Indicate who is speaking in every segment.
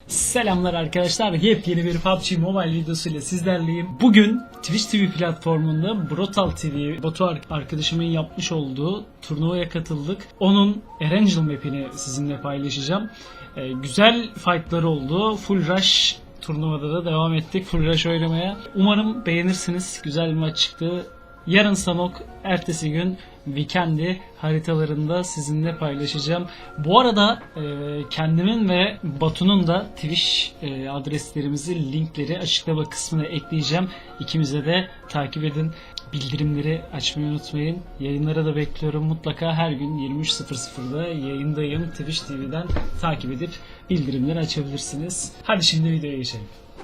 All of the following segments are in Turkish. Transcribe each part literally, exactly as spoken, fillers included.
Speaker 1: Selamlar arkadaşlar. Yepyeni bir P U B G Mobile videosuyla sizlerleyim. Bugün Twitch T V platformunda Brutal T V, Batu arkadaşımın yapmış olduğu turnuvaya katıldık. Onun Erangel map'ini sizinle paylaşacağım. Ee, güzel fight'lar oldu. Full Rush turnuvada da devam ettik. Full Rush oynamaya. Umarım beğenirsiniz. Güzel bir maç çıktı. Yarın Sanok, ertesi gün Weekend'i haritalarında sizinle paylaşacağım. Bu arada e, kendimin ve Batu'nun da Twitch e, adreslerimizi, linkleri açıklama kısmına ekleyeceğim. İkimize de takip edin. Bildirimleri açmayı unutmayın. Yayınlara da bekliyorum. Mutlaka her gün yirmi üç sıfır sıfırda yayındayım. Twitch T V'den takip edip bildirimleri açabilirsiniz. Hadi şimdi videoya geçelim.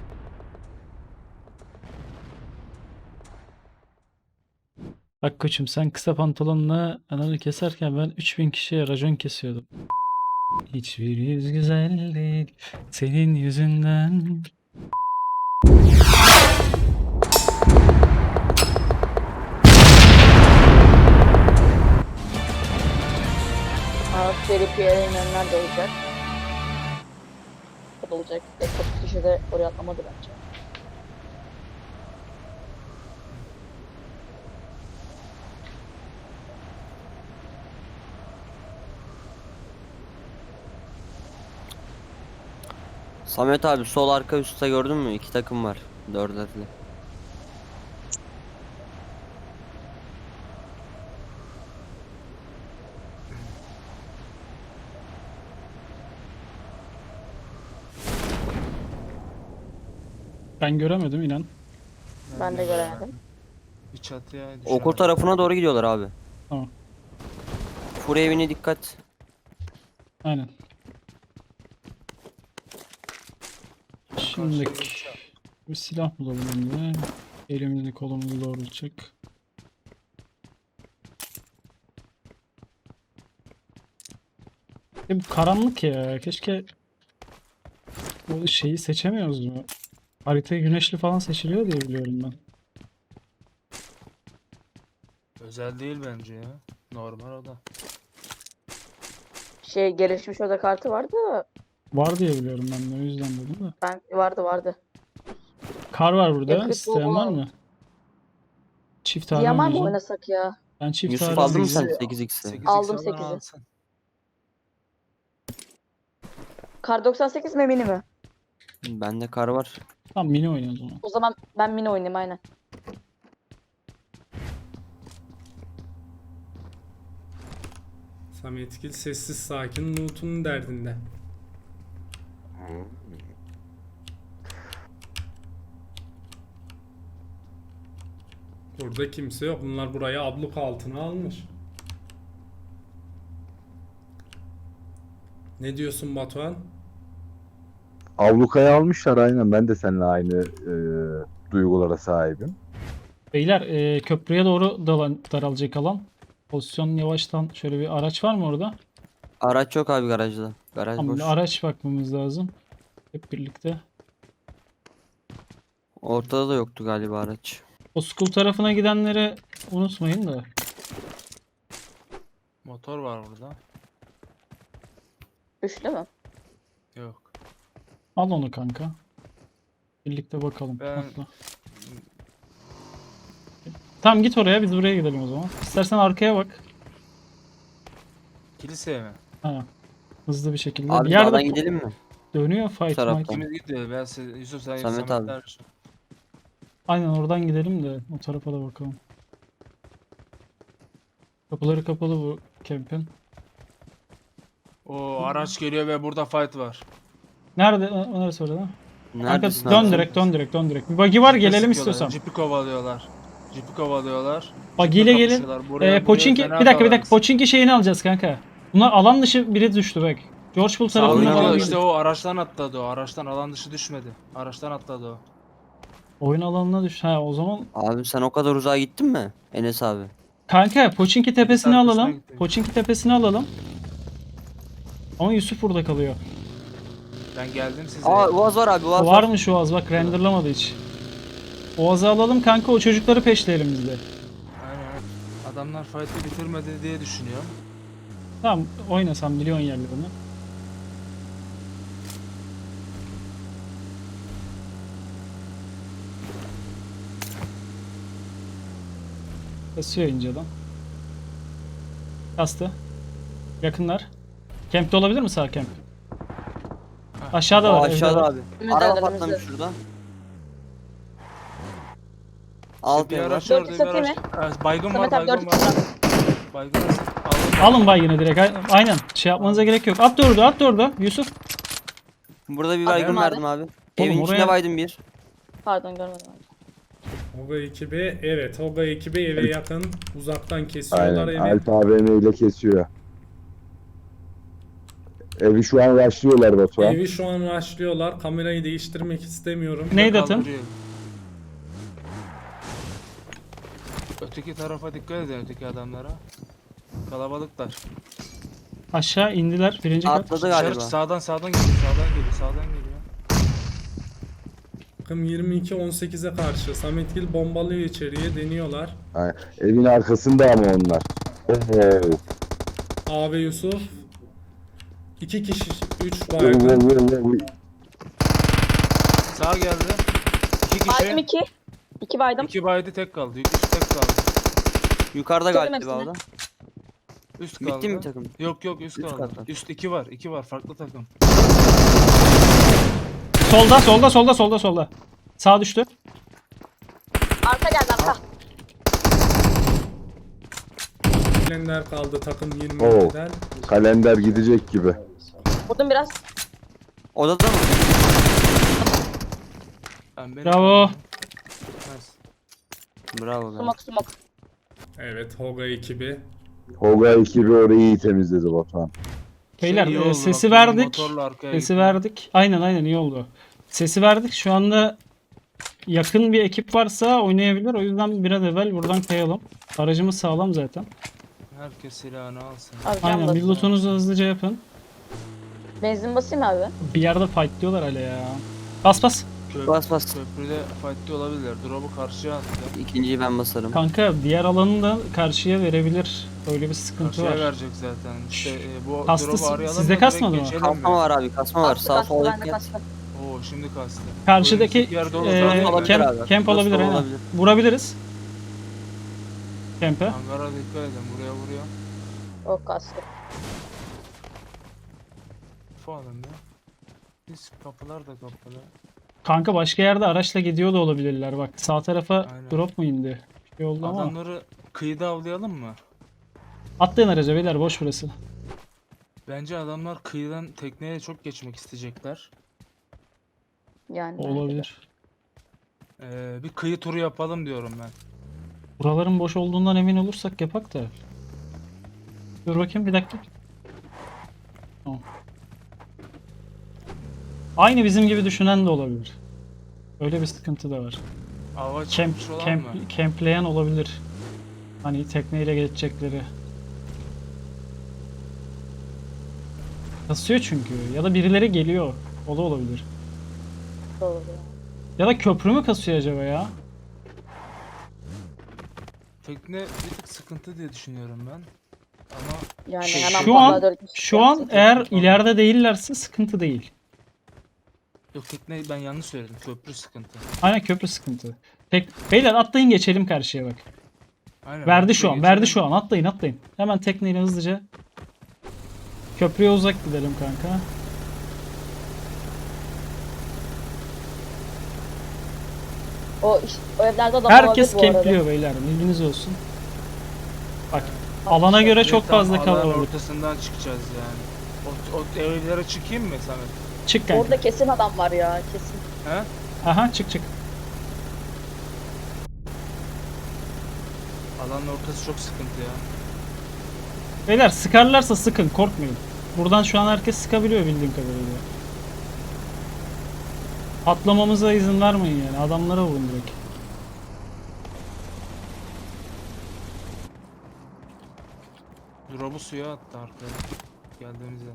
Speaker 1: Bak koçum, sen kısa pantolonla ananı keserken ben üç bin kişiye racon kesiyordum. Hiçbir yüz güzel değil senin yüzünden.
Speaker 2: Seri P R'nin önler de olacak. Katılacak. Ekip kişi de oraya atlamadı bence.
Speaker 3: Samet abi sol arka üstte gördün mü? İki takım var. Dörderli.
Speaker 1: Ben göremedim inan.
Speaker 2: Ben de göremedim.
Speaker 4: Bir çatıya
Speaker 3: Okur tarafına doğru gidiyorlar abi.
Speaker 1: Tamam.
Speaker 3: Fur evine dikkat.
Speaker 1: Aynen. Şimdi bir silah bulalım önce. Elimizi kolumuzu doğrultacak. E bu karanlık ya. Keşke bu şeyi seçemiyoruz mu? Haritayı güneşli falan seçiliyor diye biliyorum ben.
Speaker 4: özel değil bence ya. Normal o da.
Speaker 2: Şey gelişmiş oda kartı vardı da
Speaker 1: Var diye biliyorum ben de, o yüzden dedim de.
Speaker 2: ben vardı vardı.
Speaker 1: Kar var burada.
Speaker 2: Yakıt
Speaker 1: İsteyen
Speaker 2: bol
Speaker 1: var
Speaker 2: bol.
Speaker 1: mı? Çift tane
Speaker 2: Yaman mı
Speaker 1: oynayacağım.
Speaker 2: oynasak ya?
Speaker 1: Ben çift
Speaker 3: Yusuf
Speaker 1: tane
Speaker 3: aldın mı sen
Speaker 1: oynayacağım.
Speaker 3: sekiz x'i?
Speaker 4: sekiz
Speaker 2: Aldım
Speaker 4: x alan
Speaker 2: sekizi.
Speaker 4: alsın.
Speaker 2: Kar doksan sekiz mi mini mi?
Speaker 3: Bende kar var.
Speaker 1: Tamam, mini oynayalım o zaman.
Speaker 2: O zaman ben mini oynayayım aynen.
Speaker 5: Sametgil sessiz sakin Newton'un derdinde. Burada kimse yok. Bunlar burayı abluk altına almış. Ne diyorsun Batuhan?
Speaker 6: Ablukaya almışlar aynen. Ben de seninle aynı e, duygulara sahibim.
Speaker 1: Beyler, e, köprüye doğru dalan, daralacak alan. Pozisyon yavaştan, şöyle bir araç var mı orada?
Speaker 3: Araç yok abi garajda. Garaj
Speaker 1: Tamam,
Speaker 3: boş.
Speaker 1: bir araç bakmamız lazım. Hep birlikte.
Speaker 3: Ortada da yoktu galiba araç.
Speaker 1: O school tarafına gidenleri unutmayın da.
Speaker 4: Motor var burada.
Speaker 2: Üçlü mü?
Speaker 4: Yok.
Speaker 1: Al onu kanka. Birlikte bakalım.
Speaker 4: Ben-
Speaker 1: Atla. Tamam, git oraya, biz buraya gidelim o zaman. İstersen arkaya bak.
Speaker 4: Kiliseye mi?
Speaker 1: Ha. Hızlı bir şekilde.
Speaker 3: Abi
Speaker 1: bir yerde
Speaker 3: sağdan gidelim mi?
Speaker 1: dönüyor fight
Speaker 3: taraftan.
Speaker 1: might.
Speaker 4: Kimiz gidiyor? Ben size, Yusuf sen
Speaker 3: Samet
Speaker 4: Samet
Speaker 3: abi.
Speaker 4: abi.
Speaker 1: Aynen, oradan gidelim de o tarafa da bakalım. Kapıları kapalı bu camp'in.
Speaker 4: O araç geliyor ve burada fight var.
Speaker 1: Nerede? O- Neresi orada? Kanka
Speaker 3: Neredesin
Speaker 1: dön
Speaker 3: abi?
Speaker 1: direkt, dön direkt, dön direkt. Bir buggy var, gelelim
Speaker 4: Sıkıyorlar,
Speaker 1: istiyorsan.
Speaker 4: Cipi kovalıyorlar. Cipi kovalıyorlar.
Speaker 1: Buggy ile
Speaker 4: Ciple
Speaker 1: gelin.
Speaker 4: kapışıyorlar. Buraya-
Speaker 1: Ee,
Speaker 4: buraya
Speaker 1: Pochinki,
Speaker 4: fena
Speaker 1: bir dakika bir dakika,
Speaker 4: dalarız.
Speaker 1: Pochinki şeyini alacağız kanka. Bunlar alan dışı biri düştü bak. George Bull tarafından
Speaker 3: oyuna
Speaker 4: Oynadı
Speaker 1: alan
Speaker 3: bak.
Speaker 4: işte
Speaker 1: işte
Speaker 4: o araçtan atladı o. Araçtan alan dışı düşmedi. Araçtan atladı o.
Speaker 1: oyun alanına düştü. Ha, o zaman
Speaker 3: Abi sen o kadar uzağa gittin mi? Enes abi.
Speaker 1: kanka Pochinki tepesini
Speaker 4: arkasına
Speaker 1: alalım.
Speaker 4: gitti.
Speaker 1: Pochinki tepesini alalım. Ama Yusuf burada kalıyor.
Speaker 4: Ben geldim size.
Speaker 3: Aa Uaz var abi Uaz
Speaker 1: O
Speaker 3: var.
Speaker 1: var mı şu az, bak renderlamadı hiç. Oğaz'ı alalım kanka, o çocukları peşleyelim biz de.
Speaker 4: Aynen. Adamlar fight'ı bitirmedi diye düşünüyorum.
Speaker 1: Tamam, oynasam milyon yerlerini. Basıyor inceden. Kastı. Yakınlar. Camp'te olabilir mi sağ camp? Aşağıda
Speaker 3: O
Speaker 1: var.
Speaker 3: aşağıda
Speaker 1: evde.
Speaker 3: abi.
Speaker 2: Önümüzde,
Speaker 3: Araba
Speaker 2: önümüzde.
Speaker 3: patlamış şurada. Alt
Speaker 4: Bir
Speaker 3: ev var.
Speaker 4: araç
Speaker 2: Dört
Speaker 4: orada bir
Speaker 2: satayım
Speaker 4: araç. Ee, Baygın var
Speaker 2: Samet abi
Speaker 4: baygın
Speaker 2: dört
Speaker 4: var.
Speaker 2: kişi var.
Speaker 4: Baygın var. Aldım.
Speaker 1: Alın bay yine direkt. A- Aynen. Şey yapmanıza gerek yok. At da orada, at da orada. Yusuf.
Speaker 3: Burada bir
Speaker 2: Attım
Speaker 3: baygın
Speaker 2: abi.
Speaker 3: verdim abi. Evin
Speaker 1: oraya-
Speaker 3: içinde baydım bir.
Speaker 2: Pardon görmedim abi.
Speaker 5: Hoga ekibi evet Hoga ekibi eve yakın uzaktan kesiyorlar
Speaker 6: Aynen.
Speaker 5: evi.
Speaker 6: Alp A V M ile kesiyor. Evi şu an rushlıyorlar Batuhan.
Speaker 5: Evi şu an rushlıyorlar. Kamerayı değiştirmek istemiyorum.
Speaker 1: Neydi atın?
Speaker 4: Kaldırıyor. Öteki tarafa dikkat edin öteki adamlara. Kalabalıklar.
Speaker 1: Aşağı indiler. Birinci kat.
Speaker 3: Atladı
Speaker 4: Dışarı
Speaker 3: galiba.
Speaker 4: sağdan sağdan geliyor sağdan geliyor sağdan geliyor.
Speaker 5: Takım yirmi iki on sekize karşı. Sametgil bombalıyor içeriye deniyorlar.
Speaker 6: Aynen. Evin arkasında ama onlar. Oo.
Speaker 5: A ve Yusuf. iki kişi, üç
Speaker 6: Oo,
Speaker 5: baygın.
Speaker 6: oo, oo, oo.
Speaker 4: Sağ geldi. İki kişi.
Speaker 2: Baydım iki. İki baydım.
Speaker 4: İki baydı tek kaldı. İki kişi tek kaldı.
Speaker 3: Yukarıda
Speaker 2: Bitirdim
Speaker 3: galiba o
Speaker 2: hepsini.
Speaker 3: da.
Speaker 4: Üst kaldı.
Speaker 3: Bitti mi takım?
Speaker 4: Yok yok üst
Speaker 3: Üst
Speaker 4: kaldı.
Speaker 3: katta.
Speaker 4: Üst iki var. iki var farklı takım.
Speaker 1: Solda, solda, solda, solda, solda. Sağ düştü.
Speaker 2: Arka geldi arka.
Speaker 5: Kalender kaldı takım yirmi
Speaker 6: Oo.
Speaker 5: ikiden.
Speaker 6: Kalender gidecek gibi.
Speaker 2: Vurdum biraz.
Speaker 3: Odada mı?
Speaker 4: Ben beni
Speaker 1: Bravo.
Speaker 4: Nice.
Speaker 3: Bravo be.
Speaker 2: Smoke smoke.
Speaker 5: Evet Hoga ekibi.
Speaker 6: Hoga ekibi orayı iyi temizledi Batuhan.
Speaker 1: Beyler
Speaker 4: Şey iyi
Speaker 1: e,
Speaker 4: oldu
Speaker 1: sesi
Speaker 4: bak, benim
Speaker 1: verdik.
Speaker 4: motorla arkaya
Speaker 1: Sesi
Speaker 4: gittim.
Speaker 1: verdik. Aynen aynen iyi oldu. Sesi verdik. Şu anda yakın bir ekip varsa oynayabilir. O yüzden bir an evvel buradan kayalım. Aracımız sağlam zaten.
Speaker 4: Herkes silahını alsın.
Speaker 2: Abi can
Speaker 1: Aynen. Bir
Speaker 2: basıyor.
Speaker 1: lootunuzu hızlıca yapın.
Speaker 2: Benzin basayım abi.
Speaker 1: Bir yerde fightlıyorlar hala ya. Bas bas.
Speaker 4: Köp
Speaker 3: Bas bas.
Speaker 4: Köprüde fight'te olabilirler. Drop'u karşıya attı.
Speaker 3: İkinciyi ben basarım.
Speaker 1: Kanka diğer alanı da karşıya verebilir. Öyle bir sıkıntı
Speaker 4: Karşıya
Speaker 1: var.
Speaker 4: verecek zaten. İşte e, bu
Speaker 1: Kastı
Speaker 4: drop'u
Speaker 1: si-
Speaker 4: arayalım
Speaker 1: sizde
Speaker 4: da
Speaker 1: kasmadı
Speaker 4: direkt
Speaker 1: mı?
Speaker 4: geçelim
Speaker 3: Kasma
Speaker 4: mi?
Speaker 3: var abi kasma var.
Speaker 2: Kastı
Speaker 3: Sağ
Speaker 2: kastı
Speaker 3: sol
Speaker 2: bende
Speaker 3: dikkat.
Speaker 2: kastı.
Speaker 4: Oo şimdi kastı.
Speaker 1: Karşıdaki
Speaker 4: Önümüzdeki yer dolu.
Speaker 1: e,
Speaker 3: Burası olabilir
Speaker 1: camp,
Speaker 3: abi.
Speaker 1: camp
Speaker 3: Burası
Speaker 1: olabilir aynen.
Speaker 3: olabilir.
Speaker 1: Vurabiliriz. Camp'e.
Speaker 4: Hangara dikkat edin. Buraya vuruyor.
Speaker 2: O kastı.
Speaker 4: Falan ya. Biz kapılar da kapalı.
Speaker 1: Kanka başka yerde araçla gidiyor da olabilirler bak. Sağ tarafa
Speaker 4: Aynen.
Speaker 1: drop mu indi? Bir şey oldu ama.
Speaker 4: Adamları kıyıda avlayalım mı?
Speaker 1: Atlayın araca beyler boş burası.
Speaker 4: Bence adamlar kıyıdan tekneye çok geçmek isteyecekler.
Speaker 2: Yani.
Speaker 1: Olabilir.
Speaker 4: Ee, bir kıyı turu yapalım diyorum ben.
Speaker 1: Buraların boş olduğundan emin olursak yapak da. Dur bakayım bir dakika. Tamam. Aynı bizim gibi düşünen de olabilir. Öyle bir sıkıntı da var.
Speaker 4: Ava
Speaker 1: Camp,
Speaker 4: çıkmış olan
Speaker 1: camp,
Speaker 4: mı?
Speaker 1: campleyen olabilir. Hani tekneyle geçecekleri. Kasıyor çünkü. Ya da birileri geliyor. O da olabilir.
Speaker 2: Doğru.
Speaker 1: Ya da köprü mü kasıyor acaba ya?
Speaker 4: Tekne bir tık sıkıntı diye düşünüyorum ben. Ama
Speaker 2: Yani
Speaker 4: Şu
Speaker 2: hemen
Speaker 1: an-
Speaker 2: patladı dört kişi.
Speaker 1: Şu an eğer ileride değillerse sıkıntı değil.
Speaker 4: yok tekne ben yanlış söyledim. Köprü sıkıntı.
Speaker 1: Aynen köprü sıkıntı. Tek... Beyler atlayın geçelim karşıya bak.
Speaker 4: Aynen.
Speaker 1: Verdi şu an,
Speaker 4: köprüye
Speaker 1: verdi
Speaker 4: geçelim.
Speaker 1: şu an. Atlayın, atlayın. Hemen tekneyle hızlıca. Köprüye uzak gidelim kanka.
Speaker 2: O, iş, o evlerde adam
Speaker 1: Herkes
Speaker 2: olabilir bu arada.
Speaker 1: kempliyor beyler. Bilginiz olsun. Bak, alana göre
Speaker 4: Direkt
Speaker 1: çok
Speaker 4: tam
Speaker 1: fazla
Speaker 4: alanın
Speaker 1: kalabalık.
Speaker 4: ortasından çıkacağız yani. O, o evlere çıkayım mı Samet?
Speaker 1: Çık kanka.
Speaker 2: Orada kesin adam var ya kesin.
Speaker 4: He?
Speaker 1: Aha, çık çık.
Speaker 4: Alanın ortası çok sıkıntı ya.
Speaker 1: Beyler sıkarlarsa sıkın, korkmayın. Buradan şu an herkes sıkabiliyor bildiğim kadarıyla. Atlamamıza izin vermeyin yani. Adamlara vurun direkt.
Speaker 4: Drop'u suya attı arkaya. Geldiğimizde.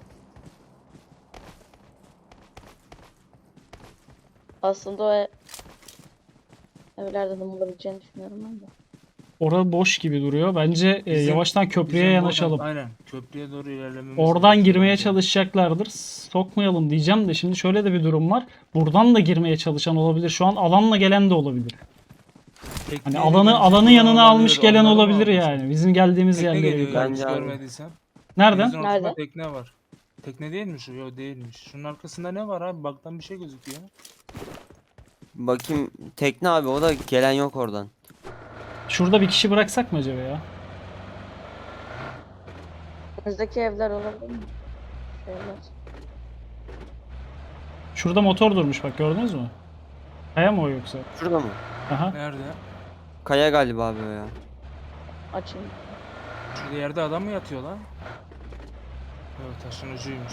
Speaker 2: Aslında o ev... evlerde de bulabileceğini düşünüyorum ben de.
Speaker 1: Orada boş gibi duruyor. Bence e,
Speaker 4: Bizim-
Speaker 1: yavaştan köprüye
Speaker 4: Bizim
Speaker 1: yanaşalım.
Speaker 4: Oradan, aynen. Köprüye doğru ilerlememiz
Speaker 1: Oradan
Speaker 4: gerekiyor
Speaker 1: girmeye
Speaker 4: bence.
Speaker 1: çalışacaklardır. Sokmayalım diyeceğim de şimdi şöyle de bir durum var. Buradan da girmeye çalışan olabilir. Şu an alanla gelen de olabilir. Hani
Speaker 4: Tekneyle
Speaker 1: alanı
Speaker 4: gelecek
Speaker 1: alanı
Speaker 4: olan
Speaker 1: yanına almış
Speaker 4: olabilir,
Speaker 1: gelen
Speaker 4: onları mı
Speaker 1: olabilir
Speaker 4: almış?
Speaker 1: yani. Bizim geldiğimiz
Speaker 4: Tekne
Speaker 1: yerlere.
Speaker 4: geliyor
Speaker 1: yukarı.
Speaker 4: yalnız
Speaker 3: Bence abi.
Speaker 4: görmediysen.
Speaker 1: Nereden?
Speaker 4: Denizin ortasında
Speaker 2: Nerede?
Speaker 4: tekne var. Tekne değil mi şu? Yok değilmiş. Şunun arkasında ne var abi? Baktan bir şey gözüküyor.
Speaker 3: Bakayım tekne abi, o da gelen yok oradan.
Speaker 1: Şurada bir kişi bıraksak mı acaba ya?
Speaker 2: Önümüzdeki evler olabilir mi? Şu evler.
Speaker 1: Şurada motor durmuş bak, gördünüz mü? Kaya mı o yoksa?
Speaker 3: Şurada mı?
Speaker 1: Aha.
Speaker 4: Nerede?
Speaker 3: Kaya galiba abi o ya.
Speaker 2: Açayım.
Speaker 4: Şurada yerde adam mı yatıyor lan? Evet, taşın ucuymuş.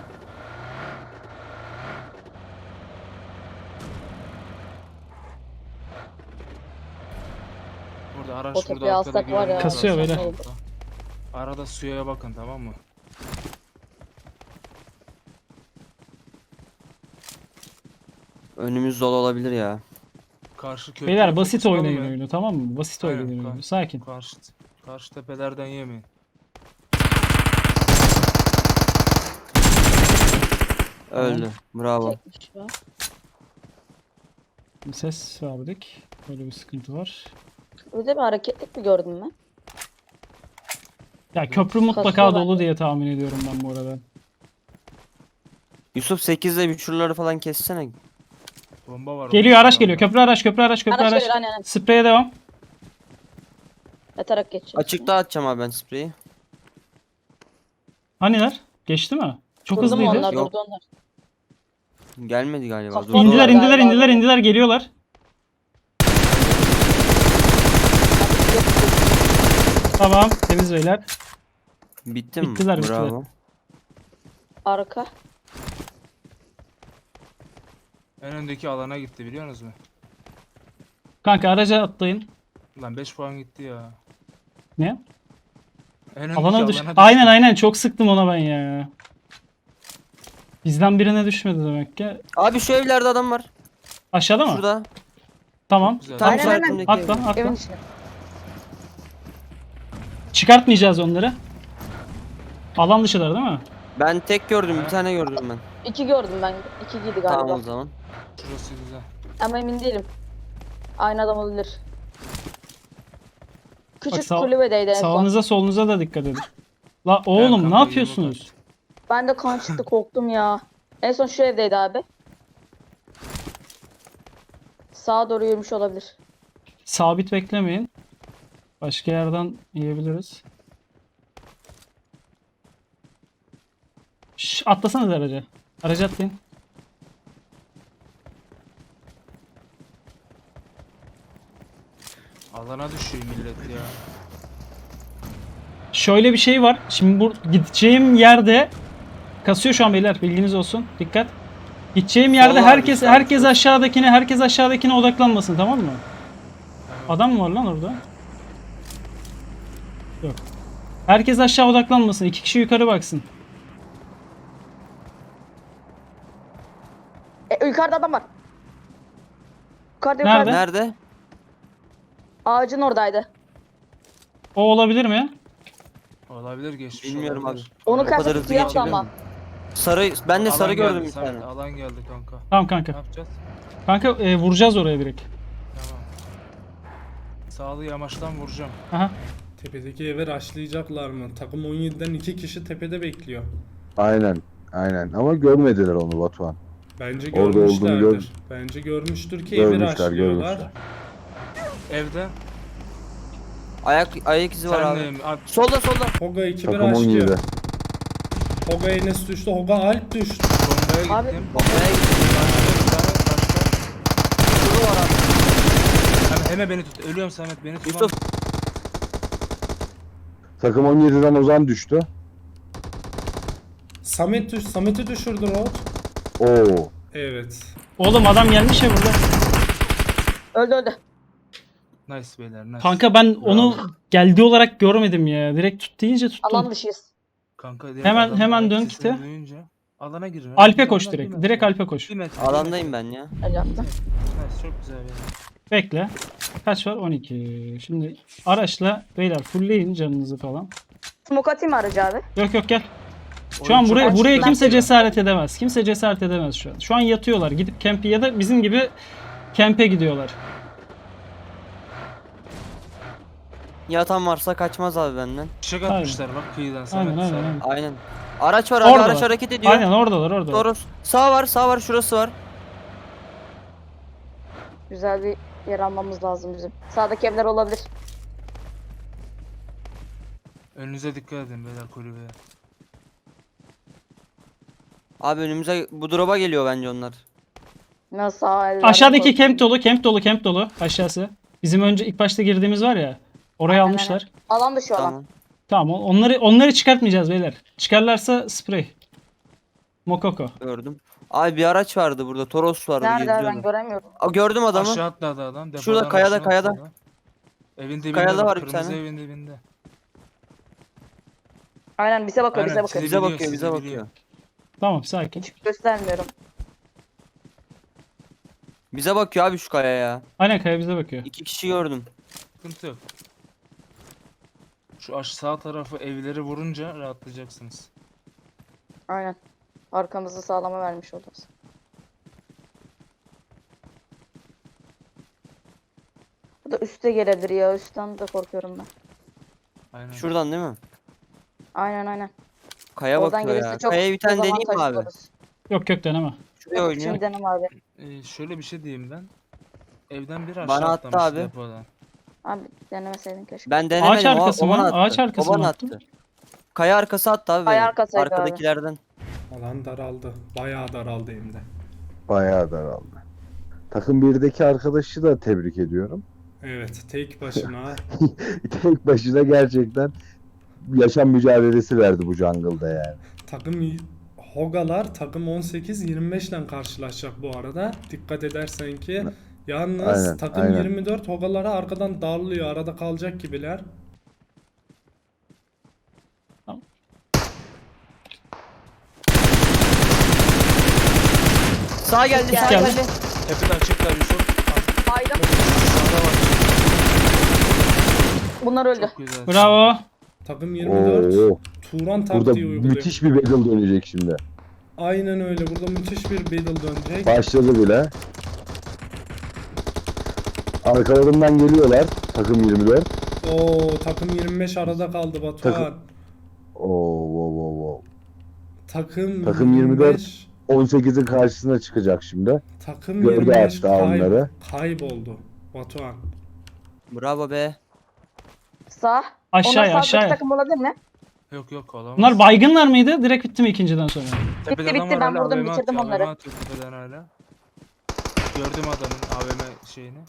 Speaker 4: Burada araç
Speaker 2: O tepeye
Speaker 4: burada arkada
Speaker 2: alsak var ya,
Speaker 4: görünüyor
Speaker 1: Kasıyor
Speaker 4: zaten.
Speaker 1: böyle.
Speaker 2: oldu.
Speaker 4: Arada suya bakın, tamam mı?
Speaker 3: Önümüz dolu olabilir ya.
Speaker 4: Karşı köprü.
Speaker 1: Beyler basit oynayın oyunu, tamam mı? Basit
Speaker 4: Aynen,
Speaker 1: oynayın
Speaker 4: tamam.
Speaker 1: oyunu. Sakin.
Speaker 4: Karşı, karşı tepelerden yemeyin.
Speaker 3: Öldü. Bravo.
Speaker 2: Çekmiş ya.
Speaker 1: Ses verdik. Böyle bir sıkıntı var.
Speaker 2: Öyle bir hareketlik mi gördün ben?
Speaker 1: Ya köprü mutlaka
Speaker 2: Kasıyor
Speaker 1: dolu
Speaker 2: bence.
Speaker 1: diye tahmin ediyorum ben bu arada.
Speaker 3: Yusuf sekizle bir şuraları falan kessene.
Speaker 4: Bomba var.
Speaker 1: Geliyor,
Speaker 4: onun
Speaker 1: araç
Speaker 4: içinde.
Speaker 1: geliyor. Köprü araç, köprü araç, köprü
Speaker 2: Araç
Speaker 1: araç.
Speaker 2: geliyor, aynen aynen.
Speaker 1: Spreye devam.
Speaker 2: Yatarak geçeceğim.
Speaker 3: Açıkta atacağım abi ben spreyi.
Speaker 1: Haniler? Geçti mi? Çok
Speaker 2: Durdu mu
Speaker 1: hızlıydı.
Speaker 2: onlar?
Speaker 3: Yok.
Speaker 2: Durdu onlar.
Speaker 3: Gelmedi galiba.
Speaker 2: Kafa-
Speaker 3: Durdu
Speaker 1: İndiler,
Speaker 3: orada.
Speaker 1: indiler,
Speaker 2: Galiba
Speaker 1: indiler,
Speaker 2: doğru.
Speaker 1: indiler, geliyorlar. Tamam, temiz beyler.
Speaker 3: Bitti mi?
Speaker 1: Bittiler, bittiler.
Speaker 3: Bravo.
Speaker 2: Arka.
Speaker 4: En öndeki alana gitti, biliyor musunuz?
Speaker 1: Kanka araca atlayın.
Speaker 4: Lan beş puan gitti ya.
Speaker 1: Ne?
Speaker 4: En öndeki
Speaker 1: Alana düş.
Speaker 4: düştü.
Speaker 1: Aynen aynen, çok sıktım ona ben ya. Bizden birine düşmedi demek ki.
Speaker 3: Abi şu evlerde adam var.
Speaker 1: Aşağıda mı?
Speaker 3: Şurada.
Speaker 1: Tamam.
Speaker 4: Güzel.
Speaker 3: Tam
Speaker 2: Aynen, aynen.
Speaker 3: işaretimdeki
Speaker 1: Atla,
Speaker 3: ev.
Speaker 1: atla.
Speaker 2: Evin içine.
Speaker 1: Çıkartmayacağız onları. Alan dışılar değil mi?
Speaker 3: Ben tek gördüm, bir tane gördüm ben.
Speaker 2: İki gördüm ben. İki giydi galiba.
Speaker 3: Tamam o zaman.
Speaker 4: Şurası güzel.
Speaker 2: Ama emin değilim. Aynı adam olabilir. Küçük
Speaker 1: sağ-
Speaker 2: kulübedeydi en son.
Speaker 1: Sağınıza solunuza da dikkat edin. La oğlum
Speaker 4: kanka,
Speaker 1: ne yapıyorsunuz?
Speaker 4: yirmi
Speaker 2: Ben de kan çıktı, korktum ya. En son şu evdeydi abi. Sağa doğru yürümüş olabilir.
Speaker 1: Sabit beklemeyin. Başka yerden yiyebiliriz. Şş, atlasanız araca. Araca atlayın.
Speaker 4: Alana düşüyor millet ya.
Speaker 1: Şöyle bir şey var. Şimdi bu gideceğim yerde kasıyor şu an beyler, bilginiz olsun. Dikkat. Gideceğim yerde
Speaker 3: Sol var,
Speaker 1: herkes
Speaker 3: bir
Speaker 1: herkes
Speaker 3: sağ.
Speaker 1: aşağıdakine herkes aşağıdakine odaklanmasın, tamam mı? Adam mı var lan orada? Yok. Herkes aşağı odaklanmasın. İki kişi yukarı baksın.
Speaker 2: E, yukarıda adam var. Yukarıda
Speaker 1: Nerede?
Speaker 2: yukarıda.
Speaker 3: Nerede?
Speaker 2: Ağacın oradaydı.
Speaker 1: O olabilir mi?
Speaker 4: Olabilir, geçmiş
Speaker 3: Bilmiyorum abi.
Speaker 4: olabilir.
Speaker 2: Onun
Speaker 3: O kadar
Speaker 2: kaseti
Speaker 3: hızlı
Speaker 2: siyah
Speaker 3: geçebiliyor
Speaker 2: ama.
Speaker 3: mu? Sarı, ben de
Speaker 4: Alan
Speaker 3: sarı
Speaker 4: geldi,
Speaker 3: gördüm bir
Speaker 4: Samet,
Speaker 3: tane.
Speaker 4: Alan geldi kanka.
Speaker 1: Tamam
Speaker 4: Ne
Speaker 1: kanka.
Speaker 4: yapacağız?
Speaker 1: Kanka e, vuracağız oraya direkt.
Speaker 4: Tamam. Sağlı yamaçtan vuracağım.
Speaker 1: Aha.
Speaker 5: Tepedeki eve rushlayacaklar mı? Takım on yediden iki kişi tepede bekliyor.
Speaker 6: Aynen. Aynen. Ama görmediler onu Batuhan.
Speaker 5: Bence
Speaker 6: Orada olduğunu
Speaker 5: görmüşlerdir.
Speaker 6: gör-
Speaker 5: Bence görmüştür ki evi
Speaker 6: Görmüşler,
Speaker 5: rushlıyorlar.
Speaker 6: görmüşler.
Speaker 4: Evde.
Speaker 3: Ayak ayak izi var
Speaker 4: Sen
Speaker 3: abi.
Speaker 4: de abi.
Speaker 3: Solda solda.
Speaker 5: Hoga ekibi
Speaker 6: Takım on
Speaker 5: rushlıyor.
Speaker 6: yedi.
Speaker 5: Hoga Enes düştü. Hoga Alp düştü.
Speaker 4: Bombaya
Speaker 2: Abi-
Speaker 4: gittim.
Speaker 3: Bombaya gitti.
Speaker 4: Başka bir tane, başka.
Speaker 3: Şurada var abi.
Speaker 4: Hemen, hemen beni tut. Ölüyorum Samet, beni tut.
Speaker 3: Yusuf.
Speaker 6: Takım on yediden Ozan düştü.
Speaker 5: Samet düş Samet'i düşürdü Road.
Speaker 6: Oo.
Speaker 5: Evet.
Speaker 1: Oğlum adam gelmiş ya burada.
Speaker 2: Öldü öldü.
Speaker 4: Nice beyler, nice.
Speaker 1: Kanka ben onu geldi olarak görmedim ya. Direkt tut deyince tuttum.
Speaker 2: Alan dışıyız.
Speaker 4: Kanka, direkt
Speaker 1: Hemen-
Speaker 4: adamın
Speaker 1: hemen
Speaker 4: ayak
Speaker 1: dön
Speaker 4: sesini
Speaker 1: kite.
Speaker 4: duyunca Alana girin.
Speaker 1: Alp'e koş direkt. Direkt Alp'e koş.
Speaker 4: Bir metre, bir
Speaker 3: Alandayım
Speaker 4: metre.
Speaker 3: ben ya.
Speaker 2: Öyle yaptım.
Speaker 4: Nice, çok güzel beyler.
Speaker 1: Bekle. Kaç var? on iki. Şimdi araçla beyler fullleyin canınızı falan.
Speaker 2: Smoke atayım mı aracı abi?
Speaker 1: Yok yok gel. Şu
Speaker 4: Oyun
Speaker 1: an
Speaker 4: çok
Speaker 1: buraya
Speaker 4: açık
Speaker 1: buraya
Speaker 4: lan.
Speaker 1: kimse cesaret edemez. Kimse cesaret edemez şu an. Şu an yatıyorlar. Gidip kempi ya da bizim gibi kempe gidiyorlar.
Speaker 3: Yatan varsa kaçmaz abi benden.
Speaker 4: Fişek atmışlar bak kıyıdan Samet.
Speaker 1: Aynen aynen.
Speaker 4: Samet.
Speaker 1: aynen.
Speaker 3: Aynen. Araç var abi,
Speaker 1: Orada.
Speaker 3: araç hareket ediyor.
Speaker 1: Aynen oradalar oradalar.
Speaker 3: Toros. Sağ var, sağ var, şurası var.
Speaker 2: Güzel bir yer almamız lazım bizim. Sağdaki evler olabilir.
Speaker 4: Önünüze dikkat edin beyler kulübeye.
Speaker 3: Abi önümüze bu drop'a geliyor bence onlar.
Speaker 2: Nasıl sağ evler
Speaker 1: Aşağıdaki
Speaker 2: olabilir.
Speaker 1: camp dolu, camp dolu, camp dolu aşağısı. Bizim önce ilk başta girdiğimiz var ya. Orayı
Speaker 2: Aynen,
Speaker 1: almışlar.
Speaker 2: Alan dışı olan.
Speaker 3: Tamam.
Speaker 1: Tamam onları onları çıkartmayacağız beyler. Çıkarlarsa sprey. Mokoko.
Speaker 3: Gördüm. Abi bir araç vardı burada. Toros vardı.
Speaker 2: Nerede ben
Speaker 3: geziyordu.
Speaker 2: göremiyorum.
Speaker 3: Aa, gördüm adamı.
Speaker 4: Aşağı atladı adam. Depodan
Speaker 3: Şurada, kayada,
Speaker 4: aşağı
Speaker 3: kayada.
Speaker 4: atladı. Evin dibinde
Speaker 3: Kayada
Speaker 4: bak,
Speaker 3: var bir
Speaker 4: kırmızı
Speaker 3: tane.
Speaker 4: evin dibinde.
Speaker 2: Aynen bize bakıyor
Speaker 4: Aynen,
Speaker 2: bize bakıyor.
Speaker 4: sizi
Speaker 3: Bize
Speaker 4: biliyor,
Speaker 3: bakıyor,
Speaker 4: sizi
Speaker 3: bize
Speaker 4: biliyor.
Speaker 3: bakıyor.
Speaker 1: Tamam sakin.
Speaker 2: Hiç göstermiyorum.
Speaker 3: Bize bakıyor abi şu kaya ya.
Speaker 1: Aynen Kaya bize bakıyor.
Speaker 3: İki kişi gördüm.
Speaker 4: Sıkıntı yok. Şu aş sağ tarafı evleri vurunca rahatlayacaksınız.
Speaker 2: Aynen. Arkamızı sağlama vermiş olacağız. Bu da üste gelebilir ya. Üstten de korkuyorum ben.
Speaker 4: Aynen.
Speaker 3: Şuradan değil mi?
Speaker 2: Aynen aynen.
Speaker 3: Kaya
Speaker 2: Oradan
Speaker 3: bakıyor
Speaker 2: gelirse
Speaker 3: ya.
Speaker 2: çok
Speaker 3: Kayaya bir tane deneyeyim mi
Speaker 2: dezavantajlı
Speaker 3: abi?
Speaker 2: oluruz.
Speaker 1: Yok yok deneme.
Speaker 3: Şuraya oynuyor.
Speaker 2: Şimdi denem abi.
Speaker 4: Ee, şöyle bir şey diyeyim ben. Evden bir aşağı
Speaker 3: Bana attı
Speaker 4: atlamış
Speaker 3: abi.
Speaker 4: depodan.
Speaker 2: Abi denemeseydin keşke.
Speaker 3: Ben denemedim.
Speaker 1: Ağaç arkası
Speaker 3: o, o
Speaker 1: mı?
Speaker 3: bana attı.
Speaker 1: Ağaç arkası
Speaker 3: O bana
Speaker 1: mı
Speaker 3: attı.
Speaker 1: attın?
Speaker 3: Kaya arkası attı abi.
Speaker 2: Kaya
Speaker 3: beni.
Speaker 2: arkasıydı abi.
Speaker 3: Arkadakilerden.
Speaker 5: Alan daraldı. Bayağı daraldı hem de.
Speaker 6: Bayağı daraldı. Takım birdeki arkadaşı da tebrik ediyorum.
Speaker 5: Evet, tek başına.
Speaker 6: Tek başına gerçekten yaşam mücadelesi verdi bu jungle'da yani.
Speaker 5: Takım y- Hogalar takım on sekiz yirmi beş ile karşılaşacak bu arada. Dikkat edersen ki. Yalnız
Speaker 6: Aynen,
Speaker 5: takım
Speaker 6: aynen.
Speaker 5: yirmi dört Hogalara arkadan darlıyor. Arada kalacak gibiler.
Speaker 3: Sağ geldi, sağ
Speaker 1: Geldi.
Speaker 3: geldi.
Speaker 4: Tepede açıklar Yusuf.
Speaker 2: Hayda.
Speaker 4: Sağda var.
Speaker 2: Bunlar öldü.
Speaker 4: Çok güzel.
Speaker 1: Bravo.
Speaker 5: Takım yirmi dört
Speaker 6: Oo,
Speaker 5: Turan
Speaker 6: burada
Speaker 5: taktiği uyguluyor.
Speaker 6: müthiş bir battle dönecek şimdi.
Speaker 5: Aynen öyle. Burada müthiş bir battle dönecek.
Speaker 6: Başladı bile. Arkalarından geliyorlar takım yirmi dört.
Speaker 5: Oo, takım yirmi beş arada kaldı Batuhan.
Speaker 6: Takım- Oo, wow, wow, wow.
Speaker 5: Takım,
Speaker 6: Takım
Speaker 5: yirmi
Speaker 6: yirmi dört.
Speaker 5: beş
Speaker 6: on sekizin karşısına çıkacak şimdi.
Speaker 5: takım
Speaker 6: Gördü
Speaker 5: yirmi beş
Speaker 6: hatta
Speaker 5: kayb-
Speaker 6: onları.
Speaker 5: kayboldu Batuhan.
Speaker 3: Bravo be.
Speaker 2: Sağ.
Speaker 1: Aşağıya,
Speaker 2: Onlar sağdaki
Speaker 1: aşağıya.
Speaker 2: takım olabilir mi?
Speaker 4: Yok yok olamaz.
Speaker 1: Bunlar baygınlar mıydı? Direkt bitti mi ikinciden sonra?
Speaker 4: Tepede
Speaker 2: Bitti,
Speaker 4: adam
Speaker 2: bitti.
Speaker 4: var
Speaker 2: Ben
Speaker 4: hala,
Speaker 2: vurdum,
Speaker 4: A V M
Speaker 2: bitirdim
Speaker 4: atıyor,
Speaker 2: onları.
Speaker 4: A V M atıyor tepeden hala. Gördüm adamın A V M şeyini.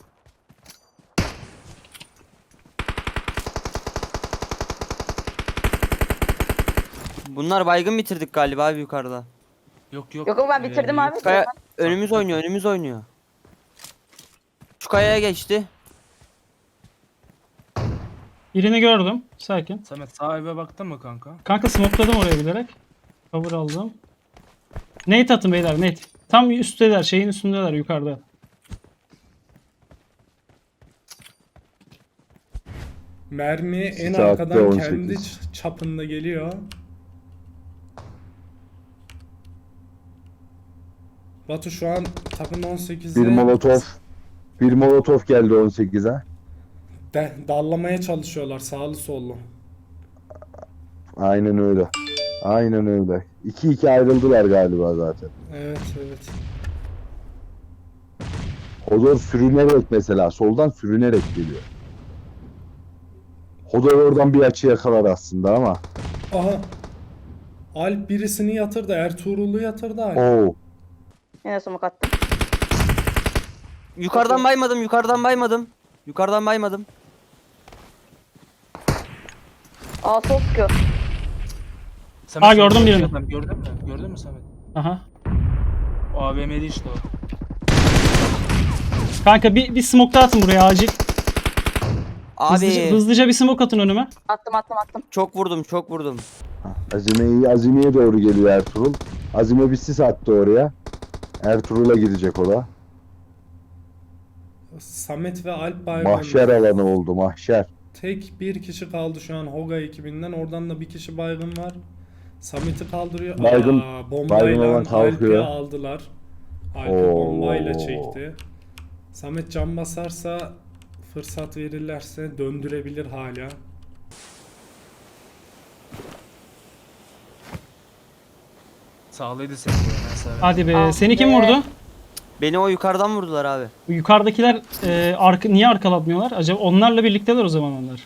Speaker 3: Bunlar baygın bitirdik galiba abi yukarıda.
Speaker 4: Yok yok.
Speaker 2: Yok yok ben bitirdim
Speaker 4: Ee,
Speaker 2: abi.
Speaker 3: Kaya önümüz oynuyor, önümüz oynuyor. Şu kayaya geçti.
Speaker 1: Birini gördüm. Sakin.
Speaker 4: Samet sağ eve baktın mı kanka?
Speaker 1: Kanka smokeladım oraya bilerek. Cover aldım. Nate atın beyler Nate. Tam üstteler, şeyin üstündeler yukarıda.
Speaker 5: Mermi en
Speaker 6: Saatte
Speaker 5: arkadan
Speaker 6: on
Speaker 5: kendi
Speaker 6: sekiz.
Speaker 5: ç- çapında geliyor. Batu şu an takım on sekizde
Speaker 6: Bir molotof. Bir molotof geldi on sekize.
Speaker 5: de, dallamaya çalışıyorlar sağlı sollu.
Speaker 6: Aynen öyle. Aynen öyle. iki iki ayrıldılar galiba zaten.
Speaker 5: Evet evet.
Speaker 6: Hodor sürünerek mesela soldan sürünerek geliyor. Hodor oradan bir açı yakalar aslında ama.
Speaker 5: Aha. Alp birisini yatırdı. Ertuğrul'u yatırdı Alp.
Speaker 6: Oo.
Speaker 2: Yine smoke attım.
Speaker 3: Yukarıdan baymadım, yukarıdan baymadım. Yukarıdan baymadım.
Speaker 2: Aa sol sıkıyor.
Speaker 4: Samet,
Speaker 1: Aa, gördüm
Speaker 4: sen
Speaker 1: birini.
Speaker 4: adam Gördün mü? Gördün mü Samet?
Speaker 1: Aha.
Speaker 4: O A V M'li işte o.
Speaker 1: Kanka bir, bir smoke daha atın buraya acil.
Speaker 3: Abi
Speaker 1: Hızlıca, hızlıca bir smoke atın önüme.
Speaker 2: Attım attım attım.
Speaker 3: çok vurdum, çok vurdum.
Speaker 6: Azime'yi Azime'ye doğru geliyor Ertuğrul. Azime bir sis attı oraya. Ertuğrul'a gidecek o da.
Speaker 5: Samet ve Alp baygın.
Speaker 6: Mahşer alanı oldu mahşer.
Speaker 5: Tek bir kişi kaldı şu an Hoga ekibinden. Oradan da bir kişi baygın var. Samet'i kaldırıyor.
Speaker 6: Baygın-
Speaker 5: Aa,
Speaker 6: baygın
Speaker 5: bombayla
Speaker 6: olan
Speaker 5: Alp'i
Speaker 6: kalkıyor.
Speaker 5: aldılar. Alp'i
Speaker 6: Oo.
Speaker 5: bombayla çekti. Samet can basarsa Fırsat verirlerse döndürebilir hala.
Speaker 4: Sağlıydı seni de ben severim.
Speaker 1: Hadi be.
Speaker 2: Ah
Speaker 1: Seni kim
Speaker 2: be.
Speaker 1: vurdu?
Speaker 3: Beni o yukarıdan vurdular abi.
Speaker 1: Bu yukarıdakiler e, arka, niye arkalatmıyorlar? Acaba onlarla birlikteler o zaman onlar.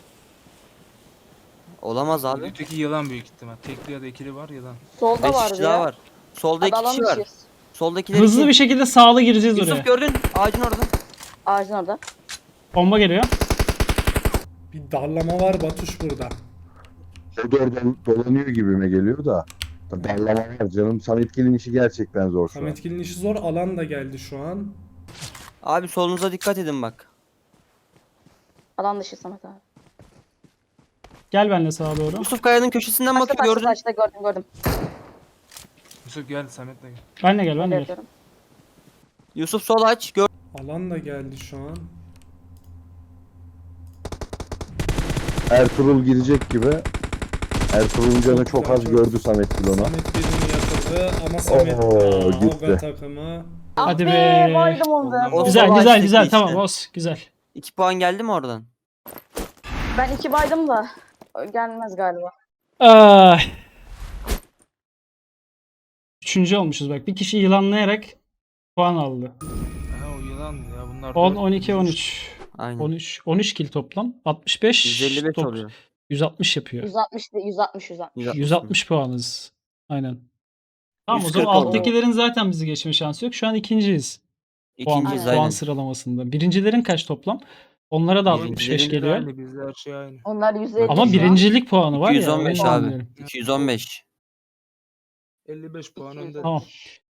Speaker 3: Olamaz abi.
Speaker 4: Öteki yılan büyük ihtimal. Tekli ya da ikili var yılan.
Speaker 2: Solda
Speaker 3: beş
Speaker 2: vardı
Speaker 3: kişi
Speaker 2: ya.
Speaker 3: daha var. Solda
Speaker 2: Hadi
Speaker 3: iki kişi var.
Speaker 2: alanmışız.
Speaker 3: Soldakiler
Speaker 1: Hızlı
Speaker 3: iki.
Speaker 1: bir şekilde sağlı gireceğiz oraya.
Speaker 3: Yusuf gördün. Ağacın orada.
Speaker 2: Ağacın orada.
Speaker 1: Bomba geliyor.
Speaker 5: Bir darlama var Batuş burada.
Speaker 6: O da oradan dolanıyor gibime geliyor da. Darlama var canım. Sametgil'in işi gerçekten zor şu an.
Speaker 5: Sametgil'in işi zor. Alan da geldi şu an.
Speaker 3: Abi solunuza dikkat edin bak.
Speaker 2: Alan dışı Samet abi.
Speaker 1: Gel benimle sağa doğru.
Speaker 3: Yusuf Kaya'nın köşesinden
Speaker 2: Kaçta
Speaker 3: bakıyor
Speaker 2: kaçta
Speaker 3: gördün.
Speaker 2: kaçta gördüm gördüm.
Speaker 4: Yusuf gel Samet'le gel.
Speaker 1: Benle gel, benle
Speaker 2: Öyle
Speaker 1: gel.
Speaker 2: yapıyorum.
Speaker 3: Yusuf sol aç. Gör.
Speaker 5: Alan da geldi şu an.
Speaker 6: Ertuğrul girecek gibi. Ertuğrul'un canı çok az gördü Sametgil ona.
Speaker 5: Samet birini yatırdı ama Samet
Speaker 6: Oo,
Speaker 5: Aa,
Speaker 6: gitti.
Speaker 5: Hoga takımı.
Speaker 1: Hadi
Speaker 2: Ah
Speaker 1: be.
Speaker 2: Baydım onda.
Speaker 3: O
Speaker 1: Güzel
Speaker 3: sol
Speaker 1: güzel
Speaker 3: açtaki
Speaker 1: güzel
Speaker 3: işte.
Speaker 1: tamam os güzel.
Speaker 3: iki puan geldi mi oradan?
Speaker 2: Ben iki baydım da gelmez galiba.
Speaker 1: Ay. Üçüncü olmuşuz bak. Bir kişi yılanlayarak puan aldı.
Speaker 4: Ha o yılan ya bunlar.
Speaker 1: on,
Speaker 4: dört-
Speaker 1: on iki, on üç.
Speaker 3: Aynen.
Speaker 1: on üç, on üç kill toplam. altmış beş.
Speaker 3: yüz elli beş
Speaker 1: top-
Speaker 3: oluyor.
Speaker 1: yüz altmış yapıyor.
Speaker 2: yüz altmış değil, yüz altmış yüz altmış.
Speaker 3: yüz altmış.
Speaker 1: yüz altmış puanız. Aynen. Tamam o
Speaker 3: yüz
Speaker 1: zaman
Speaker 3: kırk oldu.
Speaker 1: alttakilerin zaten bizi geçme şansı yok. Şu an ikinciyiz. Puan,
Speaker 3: İkinciyiz
Speaker 2: Aynen.
Speaker 1: puan
Speaker 3: aynen.
Speaker 1: sıralamasında. Birincilerin kaç toplam? Onlara da
Speaker 3: Birincilerin
Speaker 1: altmış beş
Speaker 4: Bizde
Speaker 1: geliyor.
Speaker 4: aynı, bizde her şey aynı.
Speaker 2: Onlar yüz elli.
Speaker 1: Ama
Speaker 2: şu an.
Speaker 1: birincilik puanı var
Speaker 3: iki yüz
Speaker 1: ya.
Speaker 3: on beş
Speaker 1: onu
Speaker 3: abi.
Speaker 1: anlıyorum.
Speaker 3: iki yüz on beş.
Speaker 4: elli beş puan önde.
Speaker 1: Tamam.